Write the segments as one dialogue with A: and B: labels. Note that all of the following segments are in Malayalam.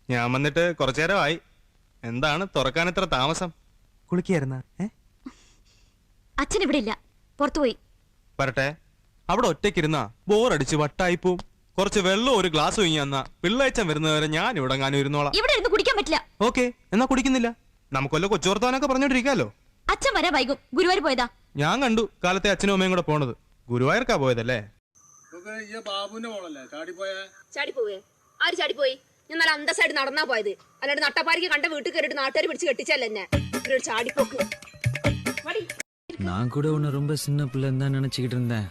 A: ഞാൻ വന്നിട്ട് കുറച്ചു നേരമായി. എന്താണ് തുറക്കാൻ ഇത്ര താമസം?
B: കുളിക്കായിരുന്ന?
C: അച്ഛൻ ഇവിടെ ഇല്ല, പുറത്തുപോയി.
A: വരട്ടെ. അവിടെ ഒറ്റയ്ക്കിരുന്നാ ബോറടിച്ച് വട്ടായിപ്പോവും. കുറച്ച് വെള്ളം ഒരു ഗ്ലാസ് ഒഴിഞ്ഞു തന്നാ പിള്ളേച്ചൻ വരുന്നവരെ ഞാൻ ഇവിടെ ഞാനും ഇരുന്നോളാം.
C: ഇവിടെ ഇരുന്ന് കുടിക്കാൻ പറ്റില്ല.
A: ഓക്കെ, എന്നാ കുടിക്കുന്നില്ല. നമുക്കൊല്ല കൊച്ചുവർത്താനൊക്കെ പറഞ്ഞോണ്ടിരിക്കാലോ.
C: അച്ഛൻ വരാ വൈകും. ഗുരുവായൂർ പോയതാ.
A: ഞാൻ കണ്ടു കാലത്തെ അച്ഛനും അമ്മയും കൂടെ പോണത്. ഗുരുവായൂർക്കാ പോയതല്ലേ?
C: ചാടിപ്പോവേ? ആര് ചാടിപ്പോയി? ഞാൻ നല്ല അന്തസ്സായിട്ട് നടന്നാ പോയത്. അല്ലാണ്ട് നട്ടപ്പാരിക്ക് കണ്ട വീട്ടിൽ കയറിട്ട് നാട്ടുകാർ പിടിച്ച് കെട്ടിച്ചല്ലേ എന്നെ. ഒരു ചാടിപ്പോക്ക്.
D: நான் கூட உன்னை ரொம்ப சின்ன பிள்ளைன்னு தான் நினைச்சுக்கிட்டு இருந்தேன்.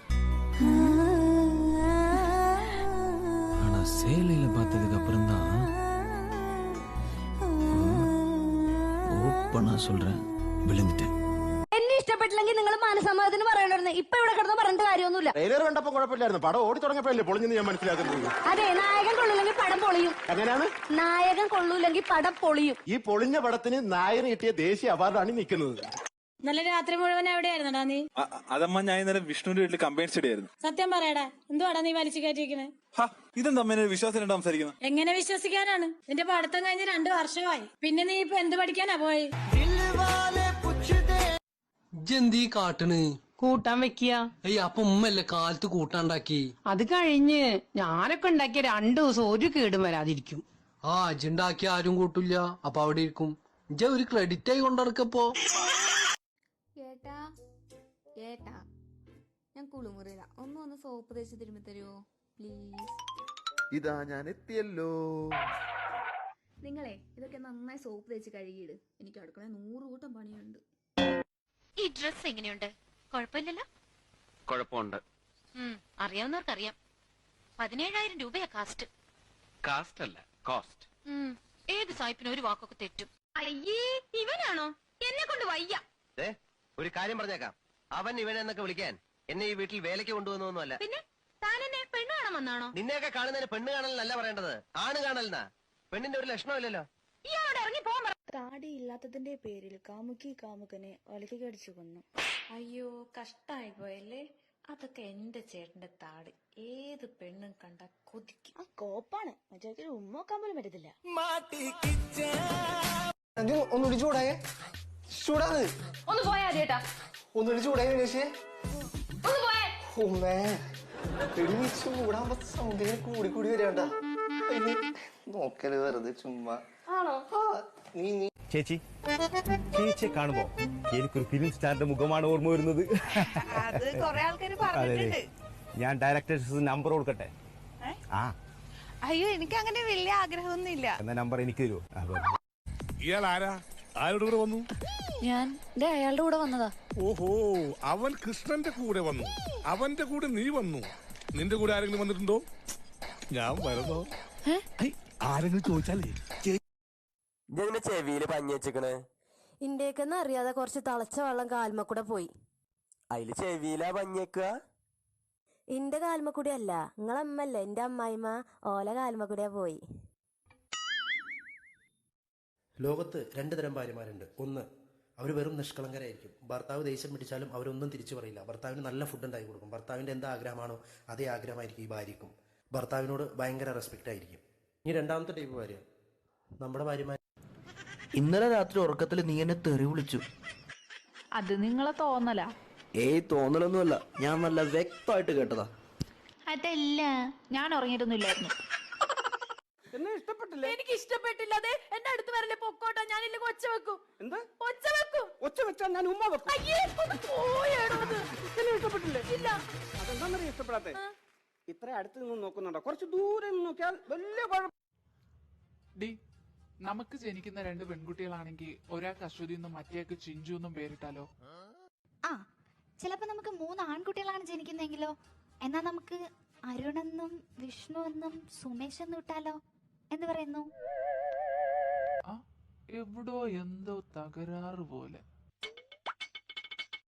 D: ஆனா சேலையில பார்த்ததுக்கு அப்புறம் தான் ஓப்பனா சொல்றேன், விழுந்துட்டேன்.
E: എന്നെ ഇഷ്ടപ്പെട്ടില്ലെങ്കിൽ നിങ്ങൾ മാനസമ്മതത്തിന് പറയണ്ടായിരുന്നു. ഇപ്പൊ ഇവിടെ കിടന്ന് പറഞ്ഞിട്ട് കാര്യമൊന്നുമില്ല.
F: ട്രെയിലർ കണ്ടപ്പോ കുഴപ്പമില്ലായിരുന്നു. പടം ഓടി തുടങ്ങിയപ്പോഴല്ലേ പൊളിഞ്ഞെന്ന് ഞാൻ മനസ്സിലാക്കുന്നത്.
E: അതെ, നായകൻ കൊള്ളൂല്ലെങ്കിൽ പടം പൊളിയും.
F: എങ്ങനെയാണ്?
E: നായകൻ കൊള്ളൂല്ലെങ്കിൽ പടം പൊളിയും.
F: ഈ പൊളിഞ്ഞ പടത്തിന് നായകന് കിട്ടിയ ദേശീയ അവാർഡാണ് നിൽക്കുന്നത്.
G: നല്ല രാത്രി മുഴുവൻ എവിടെയായിരുന്നടാ നീ?
H: അതമ്മ ഞാൻ ഇന്നലെ വിഷ്ണുവിന്റെ വീട്ടിൽ കമ്പൈൻ സ്റ്റഡി ആയിരുന്നു.
G: സത്യം പറയടാ, എന്തുവാടാ നീ വലിച്ചു കയറ്റിയിരിക്കണേ?
H: ഇതെന്താ അമ്മ വിശ്വാസം സംസാരിക്കുന്നത്?
G: എങ്ങനെ വിശ്വസിക്കാനാണ്? നിന്റെ പഠിത്തം കഴിഞ്ഞ് 2 വർഷമായി. പിന്നെ നീ ഇപ്പൊ എന്ത് പഠിക്കാനാ പോയി?
I: ഇജ്ജെന്തീ കാട്ടണ്?
J: കൂട്ടാൻ വെക്കുക.
I: അപ്പൊ ഉമ്മല്ലേ കാലത്ത് കൂട്ടാണ്ടാക്കി?
J: അത് കഴിഞ്ഞ് ഞാനൊക്കെ ഉണ്ടാക്കിയ 2 ദിവസം ഒരു കേടും വരാതിരിക്കും.
I: ഇജ്ജുണ്ടാക്കി ആരും കൂട്ടില്ല, അപ്പൊ അവിടെ ഇരിക്കും. ഇജ്ജ ഒരു ക്രെഡിറ്റ് ആയി കൊണ്ടിറക്കപ്പോ.
K: ഏട്ടാ, ഞാൻ കുളിമുറിയില്ല. ഒന്ന് സോപ്പ് തേച്ച് തിരുമ്പി തരുമോ പ്ലീസ്?
F: ഇതാ ഞാൻ എത്തിയല്ലോ.
K: നിങ്ങളെ ഇതൊക്കെ നന്നായി സോപ്പ് തേച്ച് കഴുകിയിട്. എനിക്ക് അടുക്കള 100 കൂട്ടം പണിയുണ്ട്.
C: ഈ ഡ്രസ് എങ്ങനെയുണ്ട്? കുഴപ്പമില്ലല്ലോ?
B: കുഴപ്പമുണ്ട്.
C: അറിയാവുന്നവർക്കറിയാം. 17,000 രൂപയാ കാസ്റ്റ്.
B: കാസ്റ്റ് അല്ല, കോസ്റ്റ്.
C: ഏത് സായിപ്പിനും ഒരു വാക്കൊക്കെ തെറ്റും. അയ്യേ, ഇവനാണോ? എന്നെ കൊണ്ട് വയ്യ.
B: ഒരു കാര്യം പറഞ്ഞേക്കാം, അവൻ ഇവനെന്നൊക്കെ വിളിക്കാൻ എന്നെ ഈ വീട്ടിൽ വേലയ്ക്ക് കൊണ്ടുവന്നൊന്നുമല്ല.
C: പിന്നെ താൻ എന്നെ പെണ്ണ് കാണാൻ വന്നാണോ?
B: നിന്നെയൊക്കെ കാണുന്നതിന് പെണ്ണ് കാണലല്ല പറയേണ്ടത്, ആണ് കാണലെന്നാ. പെണ്ണിന്റെ ഒരു ലക്ഷണമില്ലല്ലോ.
C: ഇയാളോട് ഇറങ്ങി പോകാൻ.
K: താടി ഇല്ലാത്തതിന്റെ പേരിൽ കാമുകനെ ഒലക്കി കടിച്ചു കൊന്നു. അയ്യോ, കഷ്ടായി പോയല്ലേ. അതൊക്കെ എന്റെ ചേട്ടന്റെ താടി. ഏത് പെണ്ണും കണ്ട കൊതിക്കും. കോപ്പാണ്, മറ്റേ ഉമ്മോക്കാൻ പോലും പറ്റത്തില്ല.
F: ഒന്നുകൂടി ചൂടായേ. ചൂടാണ്.
E: ഒന്ന് പോയാ ചേട്ടാ.
F: ഒന്നുകൂടി ചൂടായി വിനേശേ.
E: ഒന്ന് പോയേ.
F: ചൂടാകുമ്പോ സൗന്ദര്യം കൂടി വരണ്ട. നോക്കല് വെറുതെ ചുമ്മാ.
L: ചേച്ചി, ചേച്ചിയെ കാണുമ്പോ എനിക്കൊരു ഫിലിം സ്റ്റാറിന്റെ മുഖമാണ് ഓർമ്മ വരുന്നത്. അതെ, ഞാൻ ഡയറക്ടേഴ്സ് നമ്പർ കൊടുക്കട്ടെ?
K: അയ്യോ, എനിക്ക് അങ്ങനെ വലിയ ആഗ്രഹമൊന്നുമില്ല.
L: എന്നാ നമ്പർ എനിക്ക് തരുമോ?
H: ഇയാൾ ആരാ? ആരുടെ കൂടെ വന്നു?
K: ഞാൻ അയാളുടെ കൂടെ വന്നതാ.
H: ഓഹോ, അവൻ കൃഷ്ണന്റെ കൂടെ വന്നു. അവന്റെ കൂടെ നീ വന്നു. നിന്റെ കൂടെ ആരെങ്കിലും വന്നിട്ടുണ്ടോ? ഞാൻ വരുന്നോ? ആരെങ്കിലും ചോദിച്ചാലേ
B: ചെവിയില് പഞ്ഞി വെച്ചിക്കണേ.
E: ഇന്ത്യക്കെന്ന് അറിയാതെ കുറച്ച് തളച്ച വെള്ളം കാൽമക്കൂടെ പോയി.
B: അതില് ചെവിയിലാ പഞ്ഞിക്കുക?
E: എന്റെ കാൽമക്കൂടി അല്ല, നിങ്ങളമ്മല്ലേ എന്റെ അമ്മായിമ്മ, ഓല കാൽമക്കൂടിയാ പോയി.
F: ലോകത്ത് 2 തരം ഭാര്യമാരുണ്ട്. ഒന്ന്, അവർ വെറും നിഷ്കളങ്കരായിരിക്കും. ഭർത്താവ് ദേഷ്യം പിടിച്ചാലും അവരൊന്നും തിരിച്ചു പറയില്ല. ഭർത്താവിന് നല്ല ഫുഡ് ഉണ്ടാക്കി കൊടുക്കും. ഭർത്താവിൻ്റെ എന്താ ആഗ്രഹമാണോ അതേ ആഗ്രഹമായിരിക്കും ഈ ഭാര്യക്കും. ഭർത്താവിനോട് ഭയങ്കര റെസ്പെക്റ്റ് ആയിരിക്കും. ഇനി രണ്ടാമത്തെ ടൈപ്പ് ഭാര്യ, നമ്മുടെ ഭാര്യമാർ.
D: ഇന്നലെ രാത്രി ഉറക്കത്തിൽ നീ എന്നെ തെറി വിളിച്ചു.
J: അത് നിങ്ങളെ തോന്നല?
D: തോന്നലൊന്നുമല്ല, ഞാൻ നല്ല വ്യക്തമായിട്ട് കേട്ടതാ.
J: അതല്ല, ഞാൻ ഉറങ്ങിയിട്ടൊന്നുമില്ലായിരുന്നു.
G: എനിക്ക് ഇഷ്ടപ്പെട്ടില്ല. അതെ, എന്റെ അടുത്ത് വരല്ലേ, പൊക്കോട്ടോ. ഞാനില്ലെങ്കിൽ ഒച്ച വെക്കും.
F: എന്താ
G: ഒച്ച വെക്കും?
F: ഒച്ച വെച്ചാൽ ഞാൻ ഉമ്മ വെക്കും.
G: ഇഷ്ടപ്പെട്ടില്ലേ? ഇല്ല.
F: അതെന്താ ഇഷ്ടപ്പെടാത്തെ? ഇത്ര അടുത്ത് നിന്ന് നോക്കുന്നുണ്ടോ? കുറച്ച് ദൂരെ നോക്കിയാൽ വലിയ കുഴപ്പം.
M: നമുക്ക് ജനിക്കുന്ന 2 പെൺകുട്ടികളാണെങ്കിൽ ഒരാൾക്ക് അശ്വതി എന്നും മറ്റേക്ക് ചിഞ്ചു എന്നും പേരിട്ടാലോ?
K: ചിലപ്പോ നമുക്ക് 3 ആൺകുട്ടികളാണ് ജനിക്കുന്നെങ്കിലോ? എന്നാ നമുക്ക് അരുണെന്നും വിഷ്ണു എന്നും സുമേഷ് എന്നും ഇട്ടാലോ? എന്ത് പറയുന്നു?
M: എവിടോ എന്തോ തകരാറ് പോലെ.